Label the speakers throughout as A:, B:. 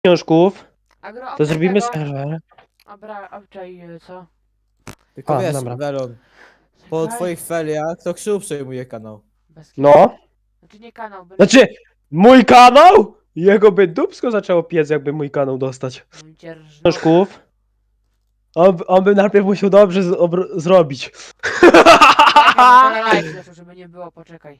A: pieniążków,
B: Agro,
A: to
B: obczaj
A: zrobimy
B: tego.
A: serwer.
B: Dobra, obczaj co?
C: Tylko wiesz,
A: dobra.
C: Welon, po
B: Czekaj.
C: twoich feriach to Krzył przejmuje kanał.
B: Bez kitu.
A: No.
B: Znaczy nie kanał, byle...
A: Znaczy, mój kanał? Jego by dupsko zaczęło piec, jakby mój kanał dostać.
B: Dzierżno.
A: Pieniążków. On by najpierw musiał dobrze zrobić.
B: Czekaj, bo to live zeszło, żeby nie było, poczekaj.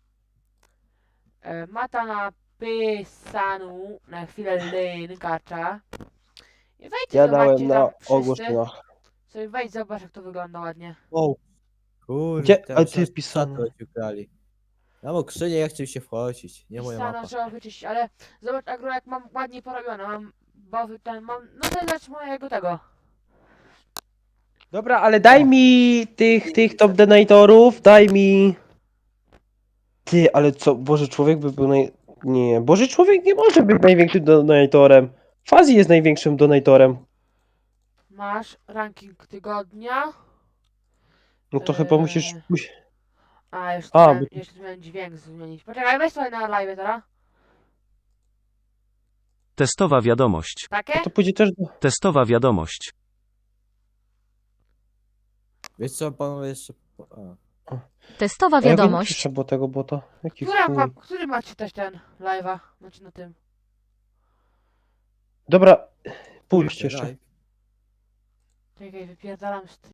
B: Mata napisanu na chwilę linkacza. I wejdźcie,
A: Ja
B: zobaczcie
A: dałem
B: tam
A: na
B: wszyscy.
A: ogłoszenia.
B: Sobie wejdź, zobacz jak to wygląda ładnie.
C: Wow. Kurde,
A: Gdzie? A ty pisano.
C: ukrali. Ja mam krzynię, jak chcę się wchodzić. Nie moja
B: Pisano
C: mapa.
B: trzeba wyczyścić, ale zobacz Agro jak mam ładnie porobione, mam bowy ten, mam, no to zacz mojego tego.
A: Dobra, ale daj mi tych top donatorów, daj mi... Ty, ale co, Boży Człowiek by był Nie, Boży Człowiek nie może być największym donatorem. Fazji jest największym donatorem.
B: Masz ranking tygodnia.
A: No to chyba musisz...
B: A, jeszcze,
A: A,
B: miałem, jeszcze miałem dźwięk zmienić. Poczekaj, weź sobie na live teraz.
D: Testowa wiadomość.
B: Takie?
A: to pójdzie też do...
D: Testowa wiadomość.
C: Wiesz co, panowie jeszcze... A.
E: Testowa
A: A ja wiem,
E: wiadomość.
A: jeszcze było tego bota. Jaki
B: Która
A: chuj.
B: ma, który macie też ten live'a? Znaczy na tym.
A: Dobra, pójdźcie jeszcze.
C: Live.
B: Czekaj, wypierdalam